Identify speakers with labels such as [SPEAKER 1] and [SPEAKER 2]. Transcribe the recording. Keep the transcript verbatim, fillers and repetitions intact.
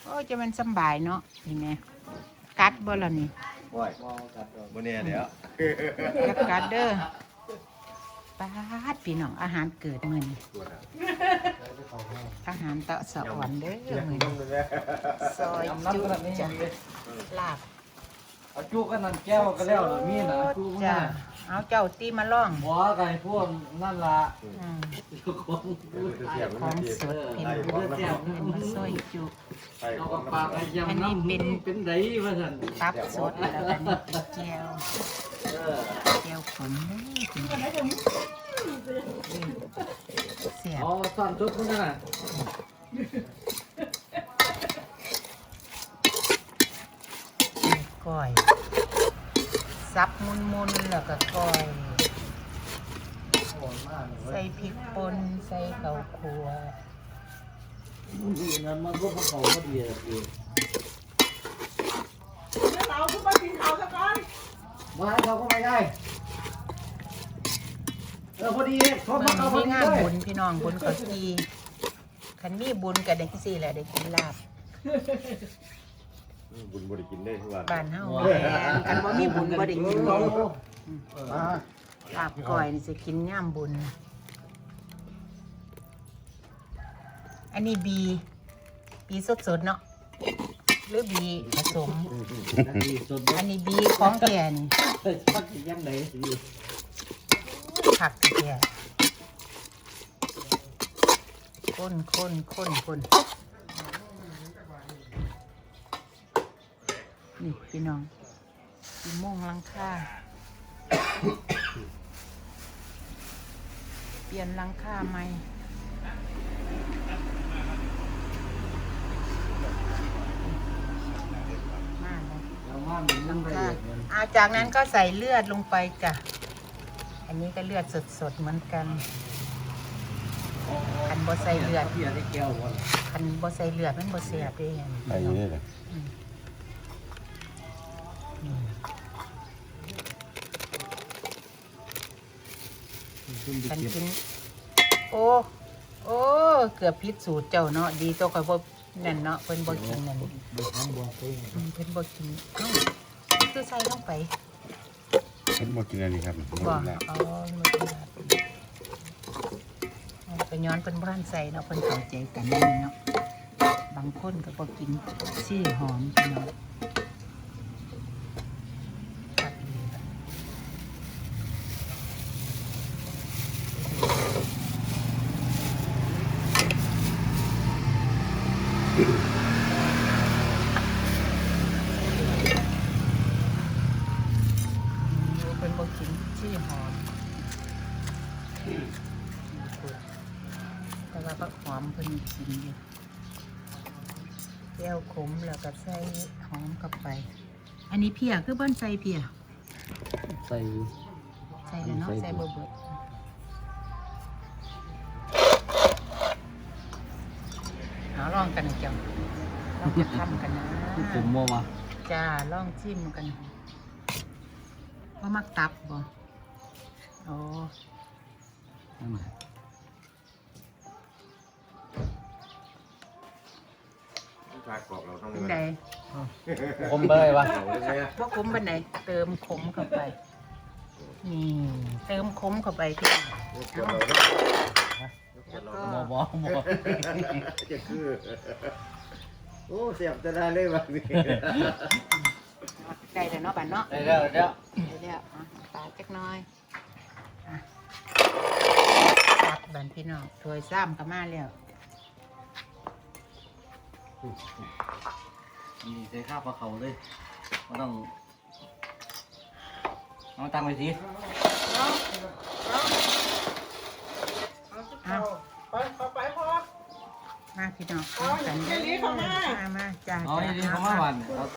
[SPEAKER 1] โอ้จะมันสบายเนาะนี่แม่กัดบ่ล่ะนี่
[SPEAKER 2] บ่อยบ่แน่เดี๋ยว
[SPEAKER 1] กัดกัดเด้อปาดพี่น้องอาหารเกิดมื้อนี้อาหารเตาะสะอ่อนเด้อมื้อนี้ซอยจุจ้ะลาบ
[SPEAKER 3] เอาจุกันนั่นแก้วก็แล้วล่ะมีน่ะจุมัน
[SPEAKER 1] จ้ะ
[SPEAKER 3] น่ะ
[SPEAKER 1] เอาเจ้าตีมาล่อง
[SPEAKER 3] บ่ไก่พวกนั่นล่ะ
[SPEAKER 1] อืม
[SPEAKER 3] ทุกคน
[SPEAKER 1] ของสดพี่น้องเป็นมาซอยจุ
[SPEAKER 3] เอากับปากไอ้ยำน้ำเป็นไดว่าซั่น
[SPEAKER 1] ตับสดแล้วก็นี่เป็นแก้ว
[SPEAKER 3] เออ
[SPEAKER 1] แก้วขมเด้อพี่น้องเสียบ
[SPEAKER 3] เอาซ่อนจุดมันน่ะ
[SPEAKER 1] ก้อยซับมุนๆแล้วก็ก้อย ใส่พริกป่นใส่ข้าวคั่ว
[SPEAKER 3] นี่นั่นมันก็บ่เข้าบ่ดีอ่ะพี่
[SPEAKER 4] เราขึ้นมากินข้าวสักก่อน
[SPEAKER 3] มาให้เขาก็ไม่ได้เออพอดีเขา
[SPEAKER 1] เมื่
[SPEAKER 3] มา
[SPEAKER 1] อ
[SPEAKER 3] เอาพ
[SPEAKER 1] นี้
[SPEAKER 3] อ
[SPEAKER 1] มี
[SPEAKER 3] ดี
[SPEAKER 1] งาน
[SPEAKER 3] เลย
[SPEAKER 1] บุญพี่น้องบุญเขาทีคันมีบุญก็ได้ที่สี่แหละได้กินลาบ
[SPEAKER 2] บุญบ่ได้กินได้ทุกวัน
[SPEAKER 1] บ้านเฮาแม่นคันบ่มีบุญบ่ได้กินเด้ลาบก้อยนี่สิกินย่ามบุญ อันนี้บีบีสดๆเนาะหรือบีผสม
[SPEAKER 3] ดีสด
[SPEAKER 1] อันนี้บีของแท้นี่
[SPEAKER 3] ชักยังไงสิ
[SPEAKER 1] ผักแท้ข้นข้นข้นข้นนี่พี่น้องสีม่วงหลังคาเปลี่ยนหลังคาใหม่มาเลย
[SPEAKER 3] แล้วมันมันละ
[SPEAKER 1] ค่ะ
[SPEAKER 3] เอียด
[SPEAKER 1] อาจากนั้นก็ใส่เลือดลงไปจ้ะ อันนี้ก็เลือดสดๆเหมือนกัน คันบ่ใส่เลือด
[SPEAKER 3] พี่ได้แก้วบ่
[SPEAKER 1] คันบ่ใส่เลือดมันบ่แซ่บเด้
[SPEAKER 2] ไปนี่เลย
[SPEAKER 1] อืมอืมคันกินโอ้ โอ้ เกือบผิดสูตรเจ้าเนาะ ดีตัวข่อยบ่นั่นเนาะเพิ่นบ่กินนั่น
[SPEAKER 3] บ่ทำบ่ไป
[SPEAKER 1] อืมเพิ่นบ่กินเอ้าคือใส่ลงไป
[SPEAKER 2] เพิ่นบ่กินอันนี้ครับ
[SPEAKER 1] บ่อ๋อมันเป็นแบบเป็นย้อนเป็นบ้านใส่เนาะเป็นเข้าใจกันนี่เนาะ บางคนก็บ่กินซี่หอมเนาะตัดเลยล่ะเป็นบ่กินซี่หอม แต่ว่าผักหอมเพิ่นกินอยู่แก้วขมแล้วก็ใส่หอมเข้าไป อันนี้เพียคือเบิ้นใส่เพีย
[SPEAKER 3] ใส่
[SPEAKER 1] ใส่แล้วเนาะใส่เบิดเบิดเอาลองกันนะจังลองจะทำกันนะ
[SPEAKER 3] ผมบ่ว่า
[SPEAKER 1] จ้าลองชิมกันว่ามักตับบ่โอ้
[SPEAKER 3] นั่นน่ะ
[SPEAKER 2] ชากรอบเราต้อง
[SPEAKER 1] เป็นได
[SPEAKER 3] ผมเบ่วะ
[SPEAKER 1] ว่าขมเป็นไหนเติมขมเข้าไป นี่ เติมขมเข้าไปพี่แล้วก็
[SPEAKER 3] บ่บ่บ่
[SPEAKER 2] จะคือ โอ้เสียบจะได้เลยบัดนี้
[SPEAKER 1] ได้แต่เนาะบันเนาะ
[SPEAKER 3] ได้แล้วได้แล้ว
[SPEAKER 1] ได้แล้วอ่ะปาดจักหน้อยอ่ะตัดบันพี่น้องถ้วยซ้ำก็มาแล้ว
[SPEAKER 3] นี่ใส่ข้าวปลาเขาเลยบ่ต้องเอาตังไปสิ
[SPEAKER 1] อ้าว
[SPEAKER 4] ไปขอไปพอ
[SPEAKER 1] มาพี่น้อง
[SPEAKER 4] เอา
[SPEAKER 1] กัน
[SPEAKER 4] แค่นี้เข้ามา
[SPEAKER 1] มามาจ้า
[SPEAKER 3] เอา
[SPEAKER 1] จ้า
[SPEAKER 3] นี่เข้ามาหวาน